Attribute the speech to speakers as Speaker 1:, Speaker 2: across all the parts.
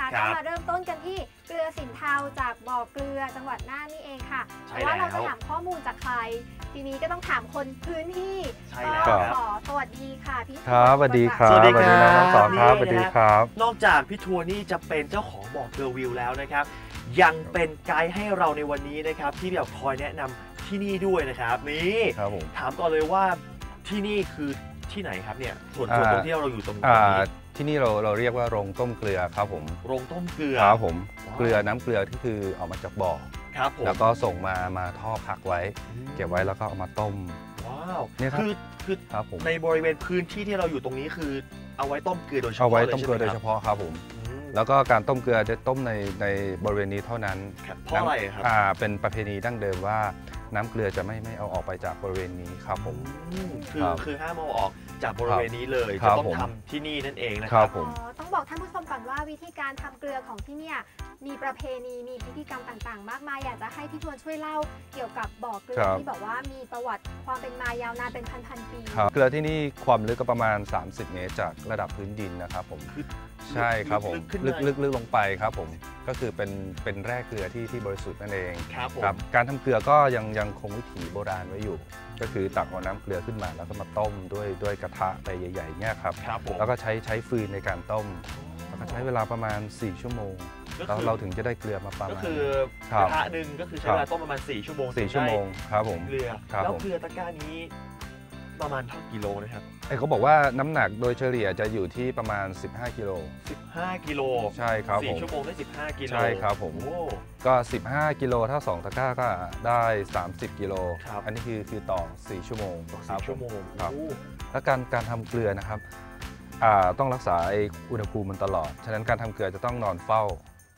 Speaker 1: ก็มาเริ่มต้นกันที่เกลือสินเทาจากบ่อเกลือจังหวัดน่านนี่เองค่ะเพราะว่าเราจะถามข้อมูลจากใครทีนี้ก็ต้องถามคนพื้นที่ก็ขอสวัสดีค่ะพี่
Speaker 2: ครับสวัสดีครับสวัสดีครับน้องสองครับสวัสดีครับ
Speaker 3: นอกจากพี่ทัวร์นี่จะเป็นเจ้าของบ่อเกลือวิวแล้วนะครับยังเป็นไกด์ให้เราในวันนี้นะครับที่แบบคอยแนะนำที่นี่ด้วยนะครับนี่ถามก่อนเลยว่าที่นี่คือที่ไหนครับเนี่ยส่วนตรงที่เราอยู่ตรงนี้
Speaker 2: ที่นี่เราเรียกว่าโรงต้มเกลือครับผม
Speaker 3: โรงต้มเกลือ
Speaker 2: ครับผมเกลือน้ำเกลือที่คือออกมาจากบ่อ
Speaker 3: ครับผม
Speaker 2: แล้วก็ส่งมาท่อพักไว้เก็บไว้แล้วก็เอามาต้ม
Speaker 3: ว้าวเนี่ยคือในบริเวณพื้นที่ที่เราอยู่ตรงนี้คือเอาไว้ต้มเกลือโดยเฉพาะ
Speaker 2: เอาไว้ต้มเกลือโดยเฉพาะครับผมแล้วก็การต้มเกลือจะต้มในบริเวณนี้เท่านั้น
Speaker 3: เพราะอะไรครับ
Speaker 2: เป็นประเพณีดั้งเดิมว่าน้ำเกลือจะไม่เอาออกไปจากบริเวณนี้ครับผม
Speaker 3: คือห้ามเอาออกจากบริเวณนี้เลยจะต้องทำที่นี่นั่นเองนะครับ
Speaker 1: ต้องบอกท่านผู้ชมก่อนว่าวิธีการทำเกลือของที่เนี่ยมีประเพณีมีพิธีกรรมต่างๆมากมายอยากจะให้พี่ทวนช่วยเล่าเกี่ยวกับบ่อเกลือที่บอกว่ามีประวัติความเป็นมายาวนานเป็นพันๆปี
Speaker 2: เกลือที่นี่ความลึกก็ประมาณ30 เมตรจากระดับพื้นดินนะครับผมใช่ครับผมลึกลงไปครับผมก็คือเป็นแร่เกลือที่บริสุทธิ์นั่นเอง
Speaker 3: ครับ
Speaker 2: การทำเกลือก็ยังคงวิถีโบราณไว้อยู่ก็คือตักเอาน้ำเกลือขึ้นมาแล้วก็มาต้มด้วยกระทะใบใหญ่ๆเนี่ยครับแล้วก็ใช้ฟืนในการต้มแล้วก็ใช้เวลาประมาณ4 ชั่วโมงแล้วเราถึงจะได้เกลือมาประมาณ
Speaker 3: ก็คือกระทะหนึ่งก็คือใช้เวลาต้มประมาณ4 ชั่วโมง
Speaker 2: ครับผม
Speaker 3: เกลือแล้วเกลือตะกร้านี้ประมาณเท่ากิโลนะครับ
Speaker 2: เขาบอกว่าน้ำหนักโดยเฉลี่ยจะอยู่ที่ประมาณ15 กิโล
Speaker 3: 15 กิโล
Speaker 2: ใช่ครับผม
Speaker 3: 4 ชั่วโมงได้15 กิโล
Speaker 2: ใช่ครับผมก็15 กิโลถ้า2 ตะกร้าก็ได้30 กิโลอันนี้คือต่อ4 ชั่วโมง
Speaker 3: 4 ชั่วโมง
Speaker 2: ครับแล้วการทำเกลือนะครับต้องรักษาอุณหภูมิมันตลอดฉะนั้นการทำเกลือจะต้องนอนเฝ้า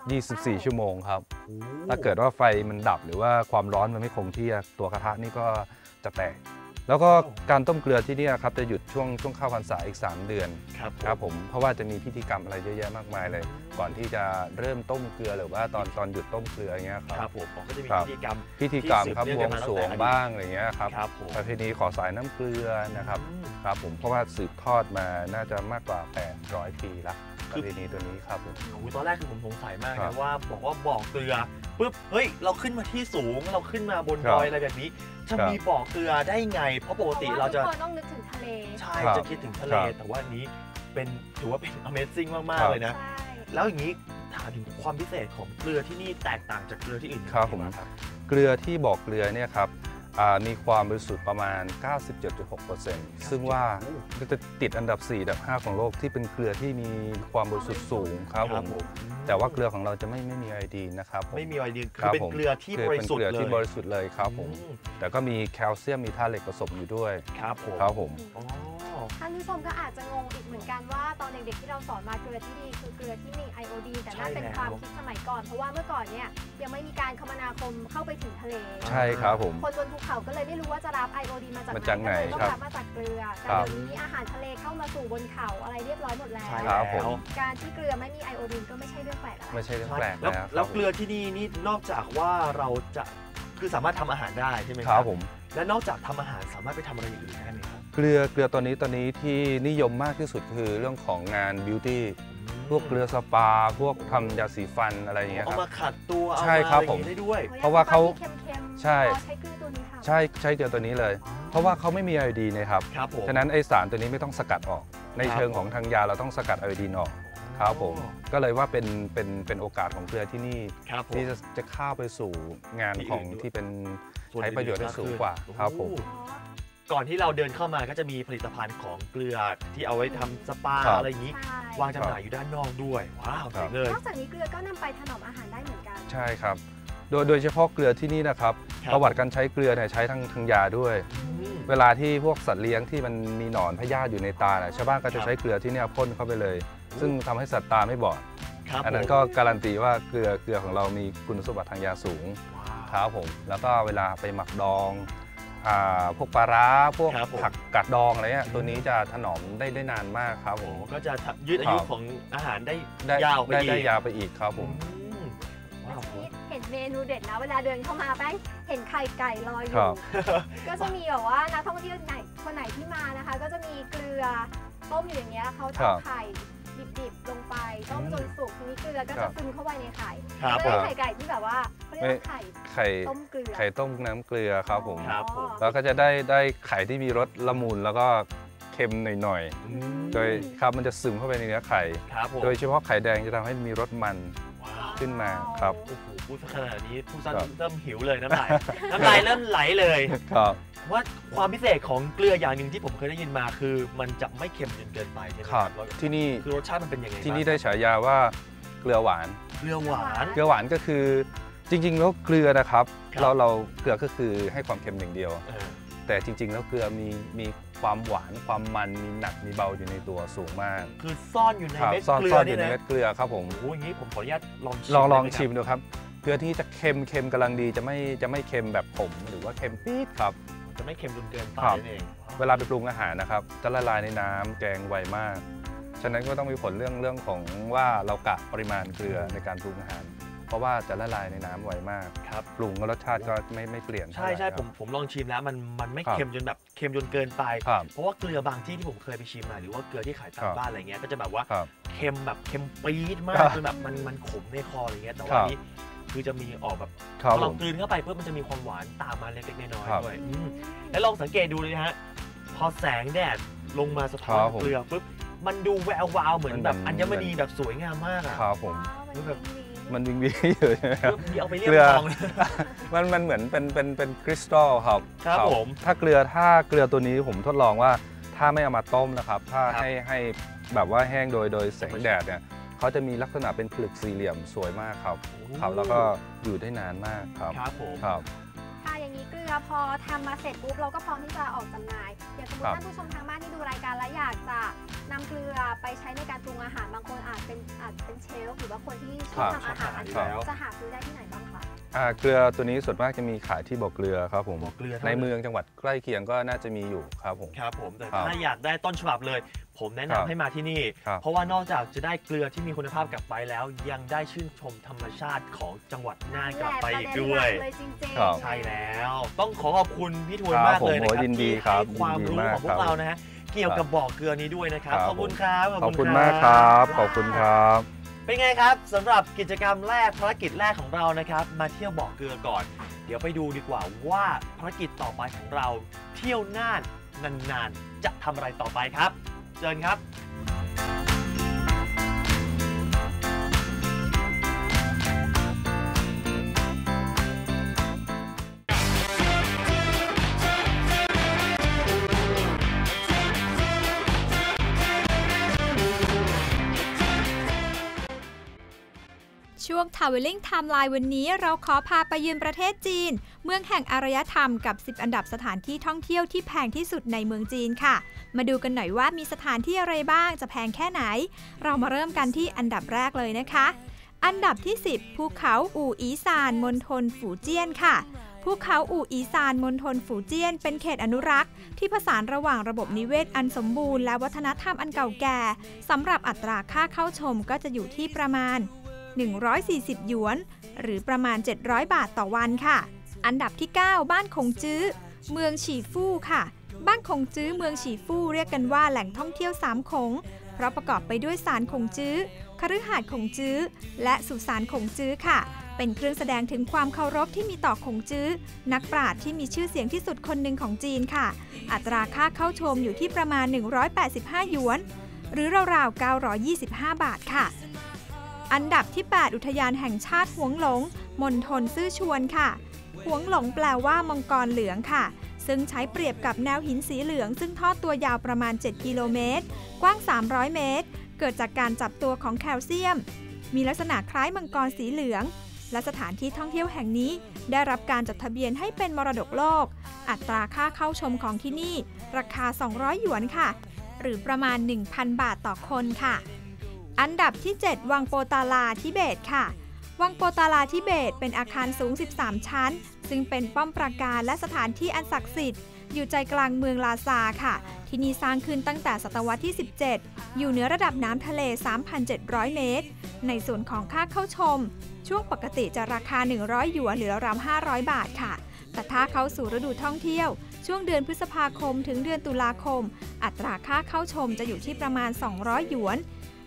Speaker 2: 24 ชั่วโมงครับถ้าเกิดว่าไฟมันดับหรือว่าความร้อนมันไม่คงที่ตัวกระทะนี่ก็จะแตกแล้วก็การต้มเกลือที่นี่ครับจะหยุดช่วงเข้าพรรษาอีก3 เดือนครับผมเพราะว่าจะมีพิธีกรรมอะไรเยอะแยะมากมายเลยก่อนที่จะเริ่มต้มเกลือหรือว่าตอนหยุดต้มเกลืออย่างเงี้ย
Speaker 3: ครับผมก็จะมีพิธีกรรม
Speaker 2: ครับบวงสรวงบ้างอะไรเงี้ยครับประเพณีขอสายน้ำเกลือนะครับครับผมเพราะว่าสืบทอดมาน่าจะมากกว่า800 ปีละประเพณีตัวนี้ครับ
Speaker 3: ตอนแรกคือผมสงสัยมากนะว่าบอกว่าบ่อเกลือปุ๊บเฮ้ยเราขึ้นมาที่สูงเราขึ้นมาบนดอยอะไรแบบนี้จะมีบ่อเกลือได้ไงเพราะปกติเราจะ
Speaker 1: ต้องนึกถึงทะเล
Speaker 3: ใช่จะคิดถึงทะเลแต่ว่านี้ถือว่าเป็น Amazing มากๆเลยนะแล้วอย่างนี้ถามถึงความพิเศษของเกลือที่นี่แตกต่างจากเกลือที่อื่น
Speaker 2: ครับผมเกลือที่บ่อเกลือเนี่ยครับมีความบริสุทธิ์ประมาณ 97.6% ซึ่งว่าจะติดอันดับ4 อันดับ 5ของโลกที่เป็นเกลือที่มีความบริสุทธิ์สูงครับผมแต่ว่าเกลือของเราจะไม่มีไอโอดีนนะครับ
Speaker 3: ไม่มีไอโอดีนคือเป็นเกลือที่บริสุทธิ์
Speaker 2: เลยครับผมแต่ก็มีแคลเซียมมีธาตุเหล็กผสมอยู่ด้วยครับผม
Speaker 1: ท่านผู้ชมก็อาจจะงงอีกเหมือนกันว่าตอนเด็กๆที่เราสอนมาเกลือที่ดีคือเกลือที่มีไอโอดีนแต่นั่นเป็นความคิดสมัยก่อนเพราะว่าเมื่อก่อนเนี่ยยังไม่มีการคมนาคมเข้าไปถึงทะเล
Speaker 2: ใช่ครับผม
Speaker 1: คนบนภูเขาก็เลยไม่รู้ว่าจะรับไอโอดีนมาจากไหนก็เลยต้องรับมาจากเกลือแต่เดี๋ยวนี้อาหารทะเลเข้ามาสู่บนเขาอะไรเรียบร้อยหมดแล้วการที่เกลือไม่มีไอโอดีนก็ไม่ใช่เรื่องแปลกอะไร
Speaker 2: ไม่ใช่เรื่องแปลก
Speaker 3: แล้วเกลือที่นี่นอกจากว่าเราจะคือสามารถทำอาหารได้ใช่ไหม
Speaker 2: ครับผม
Speaker 3: และนอกจากทำอาหารสามารถไปทำอะไรอย่างอื่นได้ไหมครับ
Speaker 2: เกลือตัวนี้ที่นิยมมากที่สุดคือเรื่องของงานบิวตี้พวกเกลือสปาพวกทำยาสีฟันอะไรอย่างเงี้ยครับ
Speaker 3: เอามาขัดตัว
Speaker 2: ใช่ครับผม
Speaker 3: ได้ด้วย
Speaker 2: เพราะว่าเขาใช่
Speaker 1: ใช้เกลือตัวนี้ค่ะ
Speaker 2: ใช้เกลือตัวนี้เลยเพราะว่าเขาไม่มีไอโอดีนนะครับฉะนั้นไอสารตัวนี้ไม่ต้องสกัดออกในเชิงของทางยาเราต้องสกัดไอโอดีนออกครับผมก็เลยว่าเป็นโอกาสของเกลือที่นี่ที่จะเข้าไปสู่งานของที่เป็นใช้ประโยชน์ได้สูงกว่าครับผม
Speaker 3: ก่อนที่เราเดินเข้ามาก็จะมีผลิตภัณฑ์ของเกลือที่เอาไว้ทำสปาอะไรอย่างนี้วางจำหน่ายอยู่ด้านนอกด้วยว้าวเลย
Speaker 1: นอกจากนี้เกลือก็นำไปถนอมอาหารได้เหมือนกัน
Speaker 2: ใช่ครับโดยเฉพาะเกลือที่นี่นะครับประวัติการใช้เกลือเนี่ยใช้ทั้งยาด้วยเวลาที่พวกสัตว์เลี้ยงที่มันมีหนอนพยาธิอยู่ในตาชาวบ้านก็จะใช้เกลือที่นี่พ่นเข้าไปเลยซึ่งทำให้สัตว์ตาไม่บอดอันนั้นก็การันตีว่าเกลือของเรามีคุณสมบัติทางยาสูงครับผมแล้วก็เวลาไปหมักดองพวกปลาร้าพวกผักกาดดองอะไรเงี้ยตัวนี้จะถนอมได้นานมากครับผม
Speaker 3: ก็จะยืดอายุของอาหารได้ยาว
Speaker 2: ไปอีกครับผม
Speaker 1: เห็นเมนูเด็ดนะเวลาเดินเข้ามาแป้งเห็นไข่ไก่ลอยอยู่ก็จะมีแบบว่านักท่องเที่ยวคนไหนที่มานะคะก็จะมีเกลือต้มอยู่อย่างเงี้ยเขาจะไข่ดิบๆลงไปต้มจนสุกทีนี้เกลือก็
Speaker 2: ครั
Speaker 1: จะ
Speaker 2: บ
Speaker 1: ซึมเข้าไปในไข่
Speaker 3: ครับ
Speaker 1: ไม่
Speaker 3: ผม
Speaker 1: ใช่ไข่ไก่ที่แบบว่าเขาเรียกว่าไข่
Speaker 2: ไข่
Speaker 1: ต้มเกลือ
Speaker 2: ไข่ต้มน้ำเกลือครับผม
Speaker 3: ครับผม
Speaker 2: แล้วก็จะได้ไข่ที่มีรสละมุนแล้วก็เค็มหน่อย
Speaker 3: อืม
Speaker 2: ๆโดยครับมันจะซึมเข้าไปในเนื้อไข่
Speaker 3: ครับผม
Speaker 2: โดยเฉพาะไข่แดงจะทำให้มีรสมัน
Speaker 3: ว้าว
Speaker 2: ขึ้นมาครับ
Speaker 3: โอ้โหพูดขนาดนี้ผู้ซัน
Speaker 2: ครับ
Speaker 3: เริ่มหิวเลยน้ำลาย น้ำลายเริ่มไหลเลย
Speaker 2: ครับ
Speaker 3: ว่าความพิเศษของเกลืออย่างหนึ่งที่ผมเคยได้ยินมาคือมันจะไม่เค็มจนเกินไปใช่ไหม
Speaker 2: ครับ
Speaker 3: แล้ว
Speaker 2: ที่นี่
Speaker 3: คือรสชาติมันเป็นยังไง
Speaker 2: ที่นี่
Speaker 3: บ้าง
Speaker 2: ได้ฉายาว่าเกลือหวาน
Speaker 3: เกลือหวาน
Speaker 2: เกลือหวานก็คือจริงๆแล้วเกลือนะครับ
Speaker 3: ครับ
Speaker 2: เราเกลือก็คือให้ความเค็มอย่างเดียว
Speaker 3: เออ
Speaker 2: แต่จริงๆแล้วเกลือมีความหวานความมันมีหนักมีเบาอยู่ในตัวสูงมาก
Speaker 3: คือซ่อนอยู่ใน
Speaker 2: ครับ
Speaker 3: เม็ด
Speaker 2: ซ่อน
Speaker 3: เกลื
Speaker 2: ซ่
Speaker 3: อ
Speaker 2: อนอยู่
Speaker 3: นี่
Speaker 2: ใน
Speaker 3: นะ
Speaker 2: เม็ดเกลือครับผม
Speaker 3: โอ้โหอย่างนี้ผมขออนุญาตลองชิม
Speaker 2: ลอง
Speaker 3: ได้ไหครับ
Speaker 2: ชิมดูครับเกลือที่จะเค็มกำลังดีจะไม่เค็มแบบขมหรือว่าเค็มปี๊ดครับ
Speaker 3: จะไม่เค็มจนเกินไป
Speaker 2: ครับ
Speaker 3: นั่นเอง
Speaker 2: เวลาไปปรุงอาหารนะครับจะละลายในน้ำแกงไวมาก ฉะนั้นก็ต้องมีผลเรื่องของว่าเรากะปริมาณเกลือในการปรุงอาหาร เพราะว่าจะละลายในน้ำไวมาก
Speaker 3: ครับ
Speaker 2: ปรุงแล้วรสชาติก็ไม่เปลี่ยน
Speaker 3: ใช่ใช่
Speaker 2: เท่าไหร่
Speaker 3: ผมลองชิมแล้วมันไม่
Speaker 2: ครับ
Speaker 3: เค็มจนแบบเค็มจนเกินไป
Speaker 2: ครับ
Speaker 3: เพราะว่าเกลือบางที่ที่ผมเคยไปชิมมาหรือว่าเกลือที่ขายตา
Speaker 2: ครั
Speaker 3: ม
Speaker 2: บ
Speaker 3: บ้านอะไรเงี้ยก็จะแบบว่า
Speaker 2: ครับ
Speaker 3: เค็มแบบเค็มปี๊ดมา
Speaker 2: ครั
Speaker 3: ก
Speaker 2: บ
Speaker 3: จนแบบมันขมในคออะไรเงี้ยแต่
Speaker 2: ค
Speaker 3: ว่า
Speaker 2: รับ
Speaker 3: อันนี้คือจะมีออกแบบ
Speaker 2: ครั
Speaker 3: พ
Speaker 2: บ
Speaker 3: อ
Speaker 2: ผ
Speaker 3: เรา
Speaker 2: ม
Speaker 3: กลืนเข้าไปเพื่อมันจะมีความหวานตามมาเล็กๆน้อย
Speaker 2: ครับ
Speaker 3: ๆด้วยแล้วลองสังเกตดูเลยนะฮะพอแสงแดดลงมาสะท้อน
Speaker 2: ครับผม
Speaker 3: เกลือปุ๊บมันดูแวววาวเหมือนแบบ
Speaker 2: มัน
Speaker 3: อัญมณีแบบสวยงามมากอะ
Speaker 2: ครับผม
Speaker 3: มันแบบ
Speaker 2: มันวิงวิงอยู่ใช่ไหมครับ
Speaker 3: เอาไปเรียก
Speaker 2: เกลือ
Speaker 3: ทอง
Speaker 2: มันเหมือนเป็นคริสตัลครับ
Speaker 3: ครับผม
Speaker 2: ถ้าเกลือตัวนี้ผมทดลองว่าถ้าไม่เอามาต้มนะครับ ถ้า
Speaker 3: ครับ
Speaker 2: ให้แบบว่าแห้งโดยแสงแดดเนี่ยเขาจะมีลักษณะเป็นผลึกสี่เหลี่ยมสวยมากครับครับแล้วก็อยู่ได้นานมากครับ
Speaker 3: ครับผม
Speaker 2: ครับ
Speaker 1: ค่ะอย่างนี้เกลือพอทำมาเสร็จปุ๊บเราก็พร้อมที่จะออกจำหน่าย อย่างสมมติ
Speaker 2: ครับ
Speaker 1: ท่านผู้ชมทางบ้านที่ดูรายการแล้วอยากจะนำเกลือไปใช้ในการปรุงอาหารบางคนอาจเป็นเชฟหรือว่าคนที่ชอบทำอาหาร
Speaker 3: ครับ
Speaker 1: จะหาซื้อได้ที่ไหนบ้างคะ
Speaker 2: เกลือตัวนี้ส่วนมากจะมีขายที่บ่อเกลือครับผม
Speaker 3: บ่อเกลือเท่านั้น
Speaker 2: ในเมืองจังหวัดใกล้เคียงก็น่าจะมีอยู่ครับผม
Speaker 3: ครับผมแต่
Speaker 2: ครับ
Speaker 3: ถ้าอยากได้ต้นฉบับเลย ผมแนะ
Speaker 2: ครั
Speaker 3: นำ
Speaker 2: บ
Speaker 3: ให้มาที่นี่
Speaker 2: ครับ
Speaker 3: เพราะว่านอกจากจะได้เกลือที่มีคุณภาพกลับไปแล้ว ยังได้ชื่นชมธรรมชาติของจังหวัดน่านกลับไปอีกด้วย
Speaker 1: เลยจริง
Speaker 2: ครับ
Speaker 3: ใช่แล้ว ต้องขอบคุณพี่ทวน
Speaker 2: ครับ
Speaker 3: มากเลยนะ
Speaker 2: ผม
Speaker 3: ครับ
Speaker 2: ยินดี
Speaker 3: ที่
Speaker 2: ครั
Speaker 3: ให้
Speaker 2: บ
Speaker 3: ความ
Speaker 2: ยินดี
Speaker 3: รู้
Speaker 2: มาก
Speaker 3: ของพว
Speaker 2: ครั
Speaker 3: ก
Speaker 2: บ
Speaker 3: เรานะฮะเกี่ยวกับบ่อเกลือนี้ด้วยนะครับ
Speaker 2: ครับ
Speaker 3: ขอบคุณครับ
Speaker 2: ขอบคุณมากครับขอบคุณครับ
Speaker 3: เป็นไงครับสำหรับกิจกรรมแรกภารกิจแรกของเรานะครับ มาเที่ยวบ่อเกลือก่อน เดี๋ยวไปดูดีกว่าว่าภารกิจต่อไปของเรา เที่ยวน่านนานๆจะทำอะไรต่อไปครับเชิญครับ
Speaker 4: ช่วง Traveling Timeline วันนี้เราขอพาไปเยือนประเทศจีน เมืองแห่งอารยธรรมกับ 10 อันดับสถานที่ท่องเที่ยวที่แพงที่สุดในเมืองจีนค่ะ มาดูกันหน่อยว่ามีสถานที่อะไรบ้างจะแพงแค่ไหน เรามาเริ่มกันที่อันดับแรกเลยนะคะ อันดับที่ 10 ภูเขาอู่อีซานมณฑลฝูเจี้ยนค่ะ ภูเขาอู่อีซานมณฑลฝูเจี้ยนเป็นเขตอนุรักษ์ที่ผสานระหว่างระบบนิเวศอันสมบูรณ์และวัฒนธรรมอันเก่าแก่สำหรับอัตราค่าเข้าชมก็จะอยู่ที่ประมาณ140 หยวน หรือประมาณ 700 บาทต่อวันค่ะ อันดับที่ 9 บ้านคงจื้อ เมืองฉีฟู่ค่ะ บ้านคงจื้อเมืองฉีฟู่เรียกกันว่าแหล่งท่องเที่ยว3คง เพราะประกอบไปด้วยศาลคงจื้อ คฤหาสน์คงจื้อ และสุสานคงจื้อค่ะ เป็นเครื่องแสดงถึงความเคารพที่มีต่อคงจื้อ นักปราชญ์ที่มีชื่อเสียงที่สุดคนหนึ่งของจีนค่ะ อัตราค่าเข้าชมอยู่ที่ประมาณ185 หยวน หรือราวๆ925 บาทค่ะ อันดับที่ 8 อุทยานแห่งชาติหวงหลงมณฑลซื่อชวนค่ะหวงหลงแปลว่ามังกรเหลืองค่ะ ซึ่งใช้เปรียบกับแนวหินสีเหลืองซึ่งทอดตัวยาวประมาณ 7 กิโลเมตร กว้าง 300 เมตร เกิดจากการจับตัวของแคลเซียม มีลักษณะคล้ายมังกรสีเหลือง และสถานที่ท่องเที่ยวแห่งนี้ได้รับการจดทะเบียนให้เป็นมรดกโลก อัตราค่าเข้าชมของที่นี่ราคา 200 หยวนค่ะ หรือประมาณ 1,000 บาทต่อคนค่ะ อันดับที่ 7 วังโปตาลาทิเบตค่ะ วังโปตาลาทิเบตเป็นอาคารสูง 13 ชั้น ซึ่งเป็นป้อมปราการและสถานที่อันศักดิ์สิทธิ์อยู่ใจกลางเมืองลาซาค่ะ ที่นี่สร้างขึ้นตั้งแต่ศตวรรษที่ 17 อยู่เหนือระดับน้ำทะเล 3,700 เมตร ในส่วนของค่าเข้าชม ช่วงปกติจะราคา 100 หยวนหรือราวๆ500 บาทค่ะ แต่ถ้าเข้าสู่ฤดูท่องเที่ยวช่วงเดือนพฤษภาคมถึงเดือนตุลาคม อัตราค่าเข้าชมจะอยู่ที่ประมาณ200 หยวน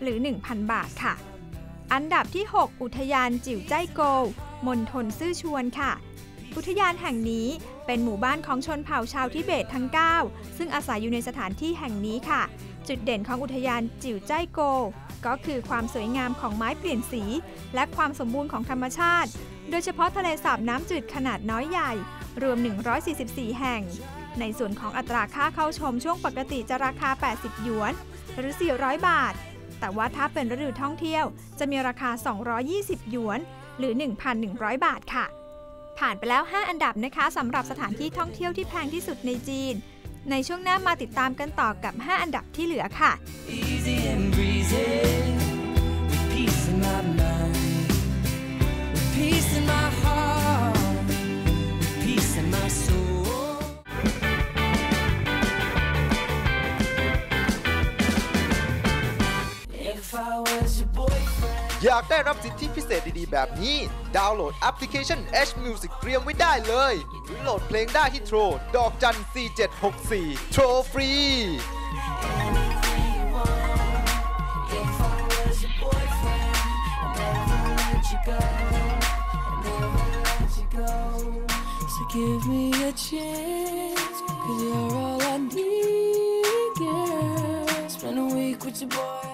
Speaker 4: หรือ 1,000 บาทค่ะอันดับที่ 6 อุทยานจิ๋วจ้ายโกวมณฑลซื่อชวนค่ะอุทยานแห่งนี้เป็นหมู่บ้านของชนเผ่าชาวทิเบตทั้ง 9 ซึ่งอาศัยอยู่ในสถานที่แห่งนี้ค่ะจุดเด่นของอุทยานจิ๋วจ้ายโกวก็คือความสวยงามของไม้เปลี่ยนสีและความสมบูรณ์ของธรรมชาติโดยเฉพาะทะเลสาบน้ำจืดขนาดน้อยใหญ่รวม 144 แห่งในส่วนของอัตราค่าเข้าชมช่วงปกติจะราคา 80 หยวนหรือ 400 บาทแต่ว่าถ้าเป็นฤดูท่องเที่ยวจะมีราคา 220 หยวนหรือ 1,100 บาทค่ะผ่านไปแล้ว 5 อันดับนะคะสำหรับสถานที่ท่องเที่ยวที่แพงที่สุดในจีนในช่วงหน้ามาติดตามกันต่อกับ 5 อันดับที่เหลือค่ะ
Speaker 5: Easy and breezy, with peace in my mind, with peace in my heart, with peace in my soul.
Speaker 6: อยากได้รับสิทธิพิเศษดีๆแบบนี้ดาวน์โหลดแอปพลิเคชัน H Music เตรียมไว้ได้เลยหรือโหลดเพลงได้ที่โทรดอกจัน 4764 โทรฟรี
Speaker 5: Give me a chance, 'cause you're all I need, girl. Spend a week with your boy.